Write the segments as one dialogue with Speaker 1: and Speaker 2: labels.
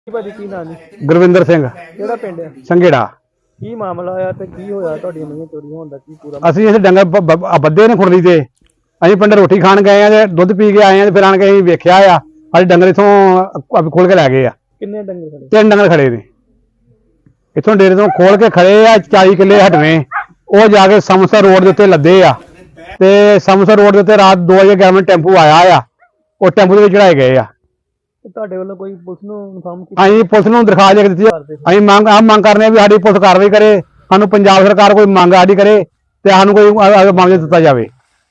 Speaker 1: ਭਾਜੀ ਕੀ ਨਾਂ ਜੀ?
Speaker 2: ਗੁਰਵਿੰਦਰ ਸਿੰਘ
Speaker 1: ਕਿਹੜਾ ਪਿੰਡ ਹੈ?
Speaker 2: ਸੰਘੇੜਾ।
Speaker 1: ਕੀ ਮਾਮਲਾ ਆ ਤੇ ਕੀ ਹੋਇਆ ਤੁਹਾਡੀ ਮੀਂਹ ਚੋਰੀ ਹੋਣ ਦਾ ਕੀ ਪੂਰਾ?
Speaker 2: ਅਸੀਂ ਇਸ ਡੰਗਰ ਬੱਦੇ ਨੇ ਖੁਰਲੀ ਤੇ ਅਸੀਂ ਪਿੰਡ ਰੋਟੀ ਖਾਣ ਗਏ ਆ ਤੇ ਦੁੱਧ ਪੀ ਕੇ ਆਏ ਆ ਤੇ ਫਿਰ ਆਣ ਕੇ ਅਸੀਂ ਵੇਖਿਆ ਆ ਸਾਡੇ ਡੰਗਰ ਇਥੋਂ ਖੋਲ ਕੇ ਲੈ ਗਏ ਆ।
Speaker 1: ਕਿੰਨੇ ਡੰਗਰ ਖੜੇ?
Speaker 2: 3 ਡੰਗਰ ਖੜੇ ਨੇ ਇਥੋਂ ਡੇਰੇ ਤੋਂ ਖੋਲ ਕੇ ਖੜੇ ਆ 40 ਕਿੱਲੇ ਹਟਵੇਂ ਉਹ ਜਾ ਕੇ ਸਮਸਰ ਰੋਡ ਦੇ ਉੱਤੇ ਲੱਦੇ ਆ ਤੇ ਸਮਸਰ ਰੋਡ ਦੇ ਉੱਤੇ ਰਾਤ 2 ਵਜੇ ਗਵਰਨਮੈਂਟ ਟੈਂਪੂ ਆਇਆ ਆ ਉਹ ਟੈਂਪੂ ਦੇ ਵਿੱਚ ਚੜਾਏ ਗਏ ਆ।
Speaker 1: ਤੁਹਾਡੇ ਵੱਲੋਂ ਕੋਈ ਪੁਲਿਸ ਨੂੰ ਇਨਫਾਰਮ ਕੀਤਾ?
Speaker 2: ਅਸੀਂ ਪੁਲਿਸ ਨੂੰ ਦਰਖਾਸਤ ਲਿਖ ਦਿੱਤੀ। ਅਸੀਂ ਮੰਗ ਕਰਨੇ ਆ ਵੀ ਸਾਡੀ ਪੁਲਿਸ ਕਾਰਵਾਈ ਕਰੇ, ਸਾਨੂੰ ਪੰਜਾਬ ਸਰਕਾਰ ਕੋਈ ਮੰਗ ਸਾਡੀ ਕਰੇ ਤੇ ਸਾਨੂੰ ਕੋਈ ਮਾਮਲਾ ਦਿੱਤਾ ਜਾਵੇ।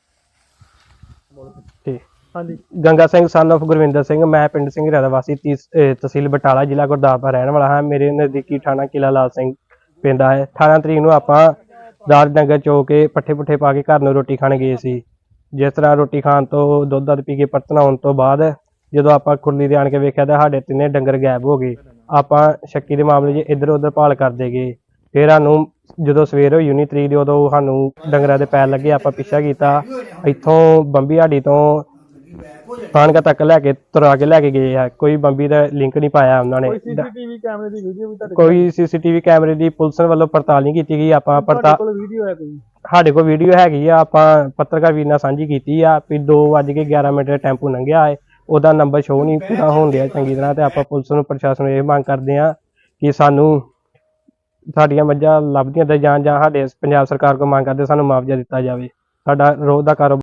Speaker 1: ਹਾਂਜੀ।
Speaker 3: ਗੰਗਾ ਸਿੰਘ ਸਨ ਆਫ ਗੁਰਵਿੰਦਰ ਸਿੰਘ, ਮੈਂ ਪਿੰਡ ਸਿੰਘਰਾ ਦਾ ਵਾਸੀ ਤਹਿਸੀਲ ਬਟਾਲਾ ਜ਼ਿਲ੍ਹਾ ਗੁਰਦਾਸਪੁਰ ਰਹਿਣ ਵਾਲਾ ਹਾਂ। ਮੇਰੇ ਨਜ਼ਦੀਕੀ ਥਾਣਾ ਕਿਲਾ ਲਾਲ ਸਿੰਘ ਪੈਂਦਾ ਹੈ। 18 ਤਰੀਕ ਨੂੰ ਆਪਾਂ ਰਾਤ ਡੰਗਰ ਚੋ ਕੇ ਪੱਠੇ ਪੁੱਠੇ ਪਾ ਕੇ ਘਰ ਨੂੰ ਰੋਟੀ ਖਾਣ ਗਏ ਸੀ। ਜਿਸ ਤਰ੍ਹਾਂ ਰੋਟੀ ਖਾਣ ਤੋਂ ਦੁੱਧ ਪੀ ਕੇ ਬਰਤਨ ਆਉਣ ਤੋਂ ਬਾਅਦ ਜਦੋਂ ਆਪਾਂ ਖੁਰਲੀ ਦੇ ਆਣ ਕੇ ਵੇਖਿਆ ਤਾਂ ਸਾਡੇ 3 ਡੰਗਰ ਗਾਇਬ ਹੋ ਗਏ। ਆਪਾਂ ਸ਼ੱਕੀ ਦੇ ਮਾਮਲੇ 'ਚ ਇੱਧਰ ਉੱਧਰ ਭਾਲ ਕਰਦੇ ਗਏ। ਫਿਰ ਸਾਨੂੰ ਜਦੋਂ ਸਵੇਰ ਹੋਈ 19 ਤਰੀਕ ਦੀ ਉਦੋਂ ਸਾਨੂੰ ਡੰਗਰਾਂ ਦੇ ਪੈਰ ਲੱਗੇ। ਆਪਾਂ ਪਿੱਛਾ ਕੀਤਾ, ਇੱਥੋਂ ਬੰਬੀ ਹਾੜੀ ਤੋਂ ਖਾਨਕਾ ਤੱਕ ਲੈ ਕੇ ਤੁਰਾ ਕੇ ਲੈ ਕੇ ਗਏ ਆ। ਕੋਈ ਬੰਬੀ ਦਾ ਲਿੰਕ ਨਹੀਂ ਪਾਇਆ ਉਹਨਾਂ ਨੇ।
Speaker 1: ਕੋਈ ਸੀਸੀਟੀਵੀ ਕੈਮਰੇ ਦੀ ਵੀਡੀਓ ਵੀ ਤੁਹਾਡੇ
Speaker 3: ਕੋਈ ਸੀਸੀਟੀਵੀ ਕੈਮਰੇ ਦੀ ਪੁਲਿਸ ਵੱਲੋਂ ਪੜਤਾਲ ਨਹੀਂ ਕੀਤੀ ਗਈ। ਆਪਾਂ
Speaker 1: ਕੋਲ ਵੀਡੀਓ ਹੈ ਕੋਈ?
Speaker 3: ਸਾਡੇ ਕੋਲ ਵੀਡੀਓ ਹੈਗੀ ਆ, ਆਪਾਂ ਪੱਤਰਕਾਰ ਵੀਰ ਨਾਲ ਸਾਂਝੀ ਕੀਤੀ ਆ ਵੀ 2:11 ਦਾ ਟੈਂਪੂ ਲੰਘਿਆ ਹੈ, ਉਹਦਾ ਨੰਬਰ ਸ਼ੋਅ ਨਹੀਂ ਪੂਰਾ ਹੋਣ ਡਿਆ ਚੰਗੀ ਤਰ੍ਹਾਂ। ਤੇ ਆਪਾਂ ਪੁਲਿਸ ਨੂੰ ਪ੍ਰਸ਼ਾਸਨ ਨੂੰ ਇਹ ਮੰਗ ਕਰਦੇ ਆ ਕਿ ਸਾਨੂੰ ਸਾਡੀਆਂ ਮੱਝਾਂ ਲੱਭਦੀਆਂ ਤੇ ਜਾਂ ਸਾਡੇ ਪੰਜਾਬ ਸਰਕਾਰ ਕੋਲ ਮੰਗ ਕਰਦੇ ਸਾਨੂੰ ਮੁਆਵਜ਼ਾ ਦਿੱਤਾ ਜਾਵੇ। ਸਾਡਾ ਰੋਜ਼ ਦਾ ਕਾਰੋਬਾਰ